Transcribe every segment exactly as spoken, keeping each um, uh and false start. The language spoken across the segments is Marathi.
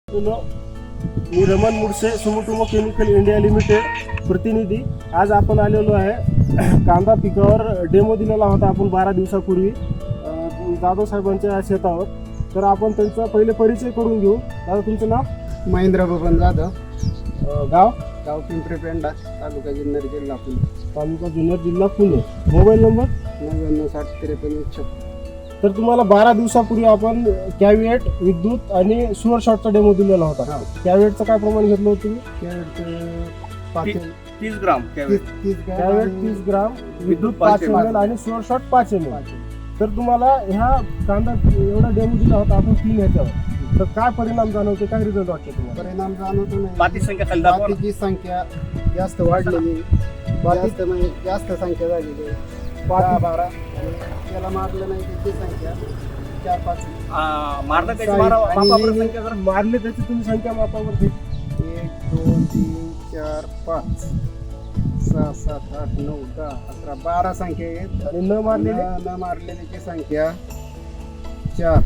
मी Raman Mudse, Sumitomo chemical India limited प्रतिनिधी. आज आपण आलेलो आहे कांदा पिकावर डेमो दिलेला होता आपण बारा दिवसापूर्वी जाधव साहेबांच्या शेतावर. तर आपण त्यांचा पहिले परिचय करून घेऊ. दादा, तुमचं नाव? महेंद्र बबन जाधव, गाव? गाव पिंपरी पेंडा, तालुका जुन्नर, जिल्हा पुणे. तालुका जुन्नर, जिल्हा पुणे. Mobile number? नव्याण्णव साठ त्रेपन्न छप्पन. तर तुम्हाला बारा दिवसापूर्वी आपण कॅविएट, विद्युत आणि सुअर शॉटचा डेमो दिलेला होता. कॅविएटचं काय प्रमाण घेतलं होतं तुम्ही? कॅरेट पाच तीस ग्राम तीस तीस कॅविएट तीस ग्राम, विद्युत पाच एम एल आणि सुअर शॉट पाच एम एल. तर तुम्हाला ह्या कांदा एवढा डेमो दिला होता आपण तीन ह्याच्यावर. तर काय परिणाम जाणवते, काय रिझल्ट वाटते तुम्हाला? परिणाम जाणवतो नाही. पाती संख्या खाली दाखवा ना. पातीची संख्या जास्त वाढलेली, जास्त म्हणजे जास्त संख्या झालेली. दहा बारा आणि त्याला मारलं नाही त्याची संख्या चार पाच. आ, मारलं त्याची मारा मापावर संख्या जरा. मारले त्याची तुम्ही संख्या मापावर एक दोन तीन चार पाच सहा सात आठ नऊ दहा अकरा बारा संख्या आहेत. आणि न मारलेले न मारलेल्याची संख्या चार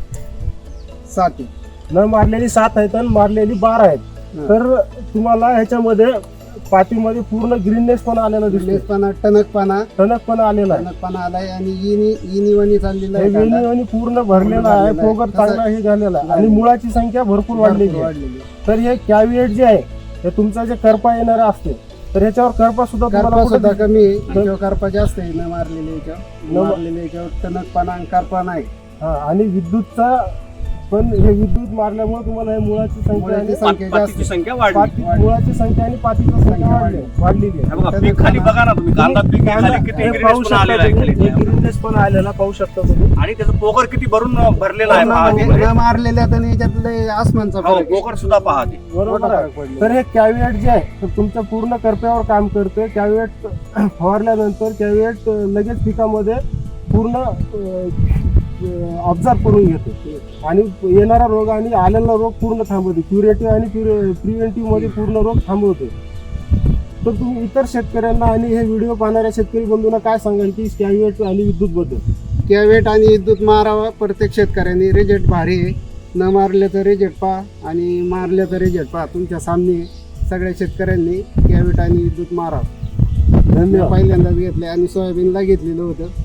सात आहे. न मारलेली सात आहेत आणि मारलेली बारा आहेत. तर तुम्हाला ह्याच्यामध्ये पातीमध्ये पूर्ण ग्रीननेस पण आलेला दिसतो, लेसपणा टणकपणा टणकपणा आलेला आहे, टणकपणा आलाय आणि इनी इनीवणी चाललेला हे आहे कांदा. वेणीवाणी पूर्ण भरलेला आहे. भरलेला आहे. फोगर तसं- चांगला हे झालेला आहे आणि मुळाची संख्या भरपूर वाढलेली भरपूर आहे. वाढलेली आहे. तर हे कॅविएट जे आहे हे तुमचा जे करपा येणारा असते तर ह्याच्यावर करपा सुद्धा करपा तुम्हाला सुद्धा कुठं- कमी आहे. याच्यावर करपा जास्त आहे न मारलेले याच्यावर. न न मारलेले याच्यावर टणकपणा आणि करपा नाही. हा, आणि विद्युतचा पण हे विद्युत मारल्यामुळे तुम्हाला हे मुळाची संख्या मुळाची आणि संख्या जास्त पातीची संख्या वाढली. पाती- वाढली. मुळाची संख्या आणि पातीची संख्या वाढली वाढलेली आहे. हे बघा, पीक खाली बघा ना तुम्ही. कांदा पीक आहे खाली किती हे ग्रीननेस पाहू पण आलेला आहे शकता खाली. तुम्ही. हे ग्रीननेस पण आलेला पाहू शकता तुम्ही. आणि त्याचं पोकर किती भरून भरलेला आहे न पहा मारले- तिकडे. न मारलेल्या तर याच्यातले आसमानचा हो, फरक आहे. पोकर सुद्धा पहा ते. बरोबर मोठा आहे. फरक पडलेला. तर हे कॅविएट जे आहे तर तुमच्या पूर्ण करप्यावर काम करते. कॅविएट फवारल्यानंतर कॅविएट लगेच पिकामध्ये पूर्ण ऑब्झर्व करून घेते आणि येणारा रोग आणि आलेला रोग पूर्ण थांबवते. क्युरेटिव्ह आणि प्रिव्हेंटिव्ह मध्ये पूर्ण रोग थांबवते. तर तुम्ही इतर शेतकऱ्यांना आणि हे व्हिडिओ पाहणाऱ्या शेतकरी बंधूंना काय सांगाल की कॅविएट आणि विद्युत बद्दल? कॅवेट आणि विद्युत मारावा. प्रत्येक शेतकऱ्यांनी रिजेक्ट भारी आहे. न मारले तर रिजेक्ट पहा आणि मारले तर रिजेक्ट पहा. तुमच्या सामने सगळ्या शेतकऱ्यांनी कॅवेट आणि विद्युत मारावं. धन्यवाद. पहिल्यांदाच घेतले आणि सोयाबीनला घेतलेलं होतं.